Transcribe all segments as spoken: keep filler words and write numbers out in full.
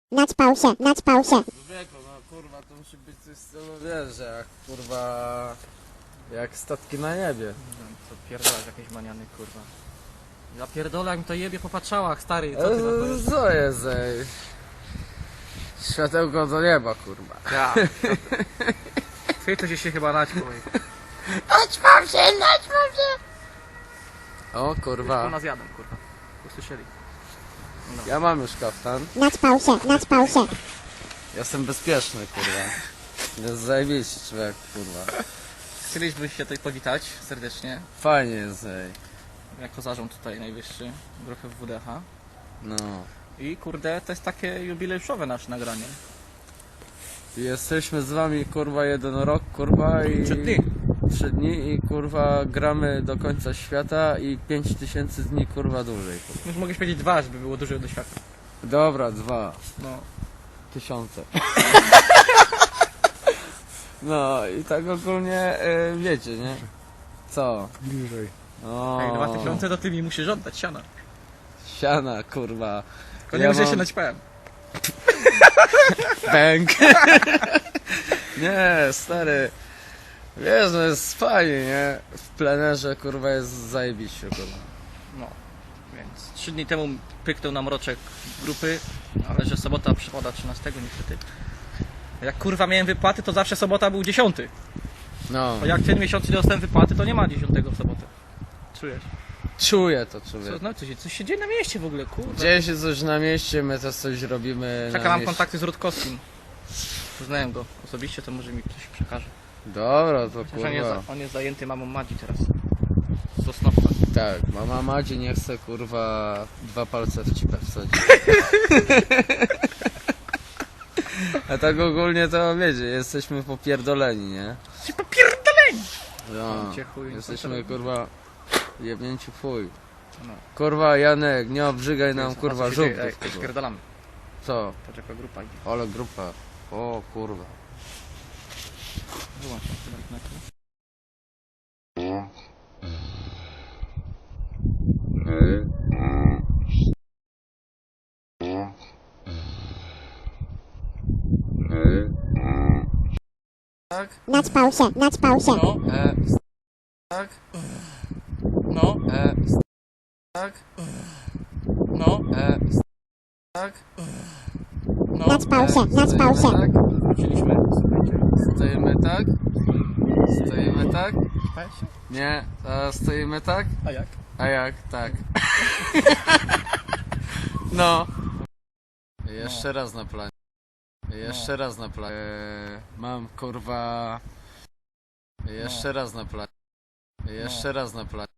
Naćpał się, naćpał się. Wieku, no kurwa, to musi być coś w stylu, wiesz, że jak kurwa, jak statki na niebie. Co pierdolać jakieś maniany, kurwa. Ja pierdolę, jak mi to jebie po patrzałach, stary, co ty na to E, jest? Co jest, ej? Światełko do nieba, kurwa. Ja. Ty to się chyba naćpał. Naćpał się, naćpał się. O Tu kurwa, nas jadą, kurwa. Usłyszeli. ja mam już kaftan. Naćpał się, naćpał się. Jestem bezpieczny, kurwa. Jest zajebiście człowiek, kurwa. Chcieliśmy się tutaj powitać serdecznie. Fajnie jest, ej. Jako zarząd tutaj najwyższy grupy W D H. No. I kurde, to jest takie jubileuszowe nasze nagranie. Jesteśmy z wami, kurwa, jeden rok, kurwa, i... Trzy dni. Trzy dni i, kurwa, gramy do końca świata i pięć tysięcy dni, kurwa, dłużej. Kurwa. Już mogłeś powiedzieć dwa, żeby było dużo do świata. Dobra, dwa. No. Tysiące. No i tak ogólnie, y, wiecie, nie? Co? Bliżej. O, Jak dwa tysiące, to ty mi musisz oddać siana. siana, kurwa. Tylko nie Ja wiem, że mam- się naćpałem. Bęk. Nie, stary. Wiesz, no jest fajnie, nie? W plenerze, kurwa, jest zajebiście, kurwa. No, więc trzy dni temu pyknął nam roczek grupy, ale że sobota przypada trzynastego niestety. Jak kurwa miałem wypłaty, to zawsze sobota był dziesiąty. No, A jak ten miesiąc nie dostałem wypłaty, to nie ma dziesiątego w sobotę. Czujesz? czuję to, Co, człowiek. no, coś, coś się dzieje na mieście w ogóle, kurwa. Dzieje się coś na mieście, my też coś robimy Czeka na nam mieście. kontakty z Rutkowskim. Znałem go osobiście, to może mi ktoś przekaże. Dobra, to Chociaż on jest, kurwa. za- on jest zajęty mamą Madzi teraz. Z Sosnowca. Tak, mama Madzi nie chce, kurwa, dwa palce w cipę wsadzić. A tak ogólnie to wiecie, jesteśmy popierdoleni, nie? Ci popierdoleni! No, Cię chuj, jesteśmy, kurwa, jebnięci w chuj. No. Kurwa, Janek, nie obrzygaj nam, Co kurwa, się dzieje? Ej, żółtów. kurwa. spierdalamy. Co? Patrz jaka grupa idzie. Ale grupa. O kurwa. Wyłącz się chyba na to. Tak? Naćpał się, naćpał się. No, E, tak? no, E, tak? no, E, tak? no. Naćpał się, naćpał się. Tak? Wróciliśmy. Stoimy tak? Stoimy tak? Weź się. Nie, a stoimy tak? A jak? A jak? Tak. No. Jeszcze raz na planie. Jeszcze raz na planie. E, mam kurwa. Jeszcze raz na planie. Jeszcze raz na planie.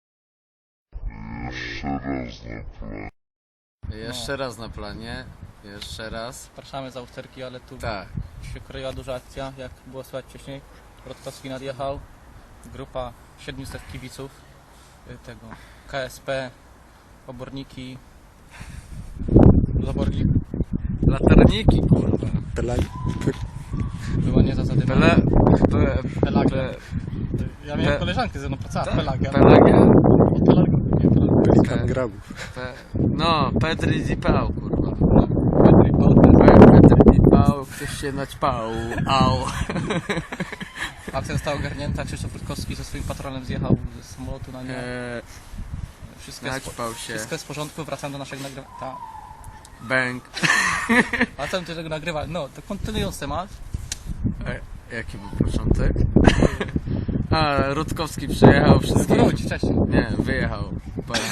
Jeszcze raz na planie. Jeszcze raz. Zapraszamy za usterki, ale tu Tak. się kroiła duża akcja, jak było słychać wcześniej. Rutkowski nadjechał. Grupa siedmiuset kibiców y, tego K S P, oborniki, zaborni. Laterniki kurwa. Pelag... Była nie za zadymą. Pele... Pe... Pelagia. Pe... Ja miałem Pe- koleżankę ze mną pracowała, tak, Pelagia. Pelagia. O, Pelagia. Nie, Pelagia. Pelikan Pe- grabów. Pe... No, Petri Zipał kurwa. No, Petri, no, Pe- Petri Zipał, ktoś się naćpał. Au. akcja została ogarnięta, Krzysztof Rutkowski ze swoim patronem zjechał z samolotu na nie. Eee, Wszystko jest, naćpał się. wszystko jest w porządku, wracam do naszego nagrywania. Ta. Bęk. Wracam do tego nagrywania. No, to kontynuując temat. E, jaki był początek? A, Rutkowski przyjechał wszystkich. Wróć wcześniej. Nie, wyjechał. Pojechał.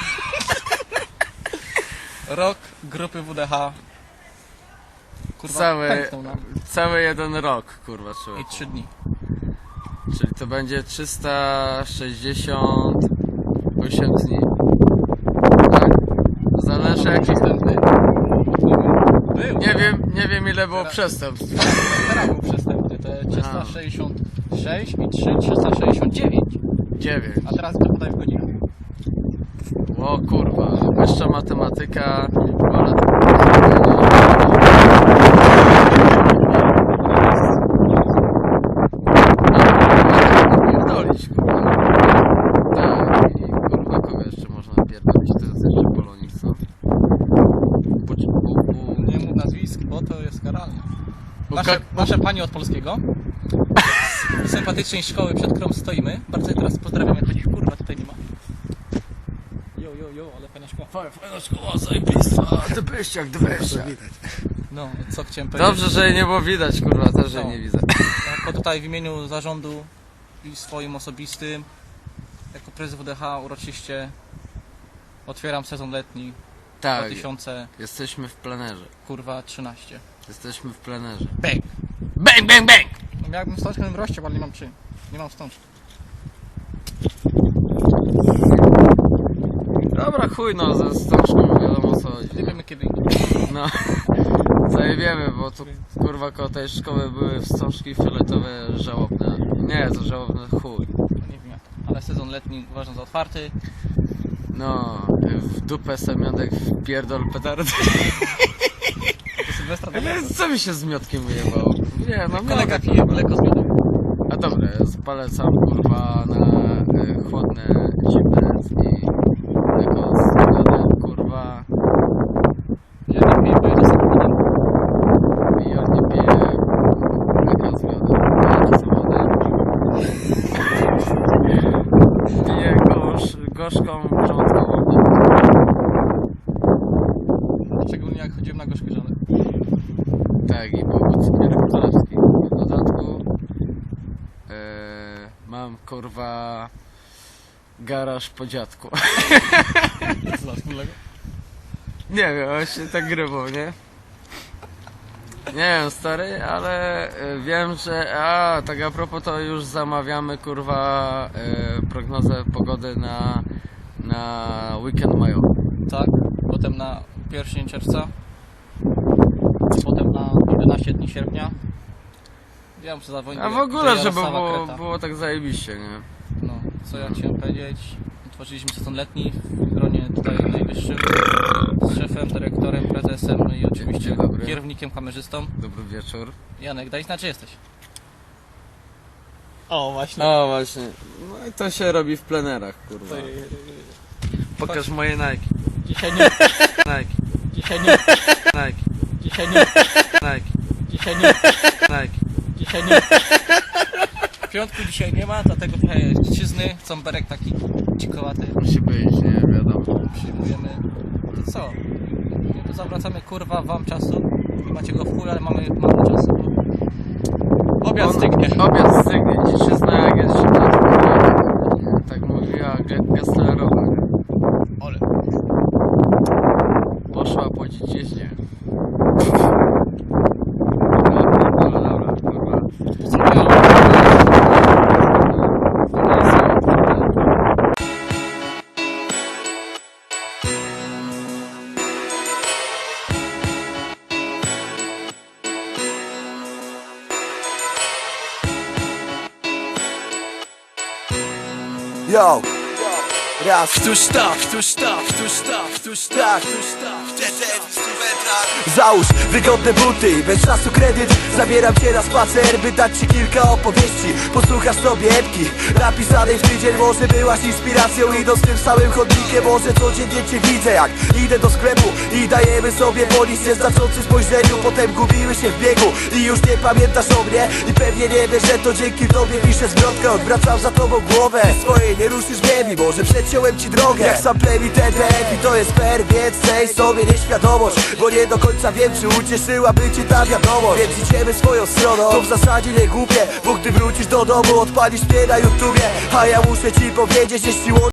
Rok grupy W D H. Kurwa, Cały, pęknął nam. cały jeden rok, kurwa, człowiek. I trzy dni. Czyli to będzie trzysta sześćdziesiąt osiem dni. Tak? Zależy jaki... Przestępny. Był. Nie wiem, nie wiem ile było Teraz- przestępstw. Teraz był przestępny. To trzysta sześćdziesiąt sześć i trzy trzysta sześćdziesiąt dziewięć. dziewięć. A teraz to podaj w godzinach. O kurwa, wyższa matematyka, ponad... Pierdolić, kurwa. Tak, i kurwa kogo jeszcze można pierdolić, to jest jeszcze Polonik, co? Bu, bu, bu, Nie mów nas nasze, nasze panie od polskiego. Z sympatycznej szkoły, przed którą stoimy. Bardzo je teraz pozdrawiam, jak choć kurwa tutaj nie ma. Jo, jo, jo, ale fajna szkoła. Fajna szkoła, zajebista, dybyściak, dybyściak. No, co chciałem powiedzieć. Dobrze, że jej nie było widać, kurwa, też że No. nie widzę. Jako tutaj w imieniu zarządu i swoim osobistym, jako prezes W D H uroczyście otwieram sezon letni Tak, dwa tysiące jesteśmy w plenerze. kurwa trzynaście. Jesteśmy w plenerze. Bang! Bang, bang, bang! No miałbym wstążkę, bym rozciął, ale nie mam czym. Nie mam wstążki. Dobra, chuj no, ze wstążką wiadomo o co chodzi. Nie wiemy kiedy. No, zajebiemy, bo tu kurwa koło tej szkoły były wstążki fioletowe żałobne. Nie, to żałobne chuj. Nie wiem jak to. Ale sezon letni uważam za otwarty. No, w dupę semionek w pierdol petardy. Do Sylwestra do lata. Co mi się z miotkiem wyjebało? Nie, no Kolega miodek. pije mleko z miodem. A dobra, polecam kurwa na y, chłodne, zimne i tego z miodem, kurwa. Ja nie piję, bo ja jestem potem. I ja nie piję mleka z miodem, ja z miodem. Piję gorsz, gorzką, grządkową wodę. Szczególnie jak chodziłem na gorzkie żony. Tak, i był cukier królewski. W dodatku e, mam kurwa garaż po dziadku. Co za wspólnego? Nie wiem, właśnie tak grybą, nie? Nie wiem, stary, ale e, wiem, że... A, tak a propos, to już zamawiamy, kurwa, e, prognozę pogody na, na weekend majowy. Tak, potem na pierwszy dzień czerwca, potem na jedenaście dni sierpnia. Ja muszę zadzwonić. A w do- ogóle, do żeby Jarosława było, Kreta. było tak zajebiście, nie? No, co ja chciałem powiedzieć? Otworzyliśmy sezon letni w gronie tutaj najwyższym z szefem, dyrektorem, prezesem, no i oczywiście Dzień dobry. kierownikiem, kamerzystą. Dobry wieczór. Janek, daj znać, że jesteś. O, właśnie. O, właśnie. No i to się robi w plenerach, kurwa. Pokaż moje Nike. Dzisiaj nie, Nike. dzisiaj nie, Nike. dzisiaj nie, Nike. dzisiaj nie, Nike. dzisiaj nie. Piątku dzisiaj nie ma, dlatego trochę dziczyzny, cąberek taki dzikowaty. Musi być, nie wiadomo. Przyjmujemy. To co? Nie, to zawracamy kurwa wam czasu. Nie macie go w chuj, ale mamy mało czasu. Bo obiad On- stygnie. Obiad stygnie. Dziczyzna jak jest zimna, to kurwa, tak mówiła Ge- Gesslerowa. nie? Ole. Poszła po dziczyźnie. Dobra, dobra, dobra, kurwa. Yo, raz, któż tak, któż tak, któż tak, któż tak, któż tak, załóż wygodne buty, bez czasu kredyt. Zabieram cię na spacer, by dać ci kilka opowieści. Posłuchasz sobie epki napisanej w tydzień. Może byłaś inspiracją, idąc tym samym chodnikiem. Może codziennie cię widzę, jak idę do sklepu i dajemy sobie po nic nieznaczącym spojrzeniu. Potem gubimy się w biegu i już nie pamiętasz o mnie. I pewnie nie wiesz, że to dzięki tobie piszę zwrotkę. Odwracam za tobą głowę, swojej nie ruszysz ziemi. Może przeciąłem ci drogę, jak sam plemi T D F. I to jest fair, więc daj sobie nieświadomość, bo nie do końca wiem, czy ucieszyłaby cię ta wiadomość. Więc idziemy swoją stroną, to w zasadzie nie głupie, bo gdy wrócisz do domu, odpalisz mnie na YouTubie. A ja muszę ci powiedzieć, jeśli